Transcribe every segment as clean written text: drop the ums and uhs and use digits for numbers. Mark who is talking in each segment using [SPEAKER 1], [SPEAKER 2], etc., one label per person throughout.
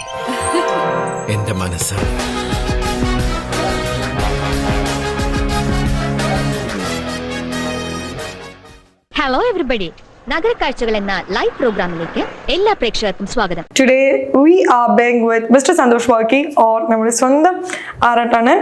[SPEAKER 1] എന്റെ മനസ്സ്.
[SPEAKER 2] Hello everybody, നഗരക്കാഴ്ചകൾ എന്ന ലൈവ് പ്രോഗ്രാമിലേക്ക് എല്ലാ പ്രേക്ഷകർക്കും സ്വാഗതം.
[SPEAKER 3] Today we are being with Mr. Santosh Varki or നമ്മുടെ സ്വന്തം ആറാട്ടാണ്.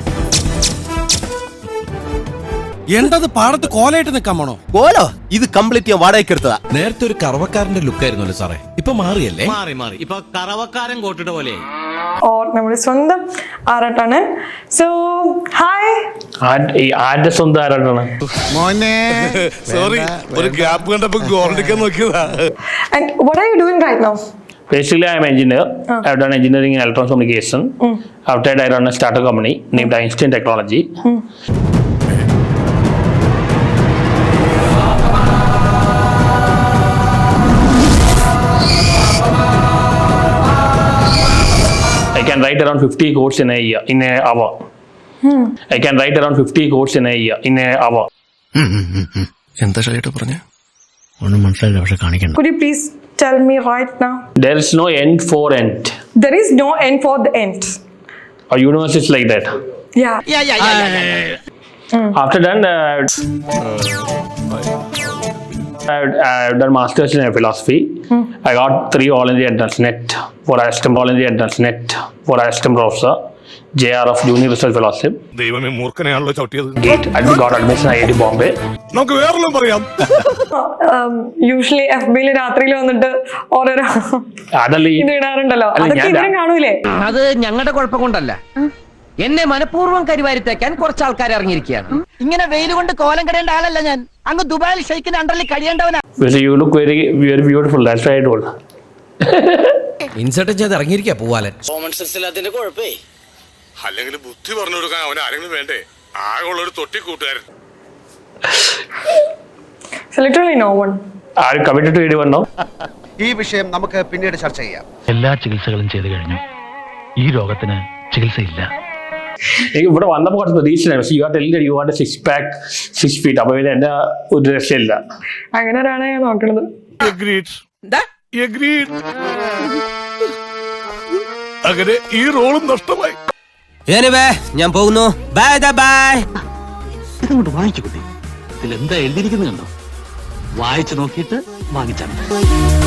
[SPEAKER 1] എന്തത് പാടത്ത് കോലയിട്ട് നിൽക്കാൻ പോണോ?
[SPEAKER 4] കോലോ? ഇത് കംപ്ലീറ്റ് ഞാൻ വാടകയ്ക്ക് എടുത്തതാ.
[SPEAKER 1] നേരത്തെ ഒരു കറവക്കാരന്റെ ലുക്കായിരുന്നല്ലോ സാറേ, ഇപ്പൊ മാറിയല്ലേ?
[SPEAKER 5] മാറി ഇപ്പൊ കറവക്കാരൻ കോട്ടിട്ട പോലെ.
[SPEAKER 3] or നമ്മുടെ സ്വന്തം ആറാട്ടാണ്. So hi.
[SPEAKER 6] ആരുടെ സ്വന്തം ആരാട്ടാണ്?
[SPEAKER 4] മോനെ സോറി, ഒരു ഗ്യാപ്പ് കണ്ടപ്പോ ഗോൾഡിക്കാൻ നോക്കിയതാ.
[SPEAKER 3] And what are you doing right now?
[SPEAKER 6] Basically, I am an engineer. I have done engineering in electronics communication. After that, I run a startup company named Einstein Technology. I can write around 50 codes in an hour. I can write around 50 codes in an hour.
[SPEAKER 4] എന്താ ഷൈട്ട് പറഞ്ഞേ?
[SPEAKER 5] ഒന്നും മനസ്സിലായില്ല, പക്ഷെ കാണിക്കണ്ട.
[SPEAKER 3] Could you please tell me right now?
[SPEAKER 6] There is no end for end.
[SPEAKER 3] There is no end for the end.
[SPEAKER 6] Our universe is like that.
[SPEAKER 3] Yeah.
[SPEAKER 6] After that, I've done masters in philosophy. I got 3 all India entrance net for assistant all India entrance net for assistant professor. JR of Junior Research Fellowship.
[SPEAKER 4] ദൈവമേ, മൂർഖനെയാണല്ലോ ചവിട്ടിയത്.
[SPEAKER 6] Gate. I got admission IIT Bombay.
[SPEAKER 4] നമുക്ക് വേറെല്ലാം പറയാം.
[SPEAKER 3] Usually FB-ല് രാത്രിയിൽ വന്നിട്ട് ഓരോരോ
[SPEAKER 6] അതല്ല
[SPEAKER 3] ഇത് ഇടാറുണ്ടല്ലോ, അതൊക്കെ ഇവരും കാണൂലേ?
[SPEAKER 7] അത് ഞങ്ങളുടെ കുഴപ്പം കൊണ്ടല്ല, എന്നെ മനഃപൂർവ്വം കരിവാരിത്തേക്കാൻ കുറച്ച് ആൾക്കാർ ഇറങ്ങിയിരിക്കുകയാണ്. ഇങ്ങനെ വെയിൽ കൊണ്ട് കോലം കടയേണ്ട ആളല്ല ഞാൻ. അങ്ങ് ദുബായിൽ ഷെയ്ക്കിന്റെ അണ്ടറിൽ കഴിയേണ്ടവനാ.
[SPEAKER 6] You look very, very beautiful. That's why I told.
[SPEAKER 1] Insert ചെയ്ത് ഇറങ്ങിയിരിക്കാ പൂവാലൻ.
[SPEAKER 5] Common sense ഇല്ലാത്തതിന്റെ കുഴപ്പേ.
[SPEAKER 4] അല്ലെങ്കിൽ ബുദ്ധി പറഞ്ഞു കൊടുക്കാൻ അവൻ ആരെങ്കിലും വേണ്ടേ? ആകെയുള്ള ഒരു തൊട്ടി കൂട്ടുകാരൻ.
[SPEAKER 3] So literally no one.
[SPEAKER 6] Are you committed to anyone now?
[SPEAKER 8] ഈ വിഷയം നമുക്ക് പിന്നീട് ചർച്ച ചെയ്യാം.
[SPEAKER 5] എല്ലാ ചികിത്സകളും ചെയ്തു കഴിഞ്ഞു. ഈ രോഗത്തിന് ചികിത്സയില്ല.
[SPEAKER 6] ഇവിടെ വന്നപ്പോൾ കുറച്ച് പ്രതീക്ഷയില്ല. പക്ഷേ you are telling you want 6 pack 6 feet. അപ്പോൾ എന്റെ ഒരു രക്ഷയില്ല.
[SPEAKER 3] അങ്ങനെ ഒരാളെ ഞാൻ നോക്കണത്.
[SPEAKER 4] അങ്ങനെ ഈ റോളും നഷ്ടമായി.
[SPEAKER 7] ഞാൻ പോകുന്നു. Bye bye.
[SPEAKER 5] ഇതങ്ങോട്ട് വാങ്ങിച്ചു കുട്ടി. ഇതിലെന്താ എഴുതിയിരിക്കുന്നത് കണ്ടോ? വായിച്ചു നോക്കിയിട്ട് വാങ്ങിച്ചാൽ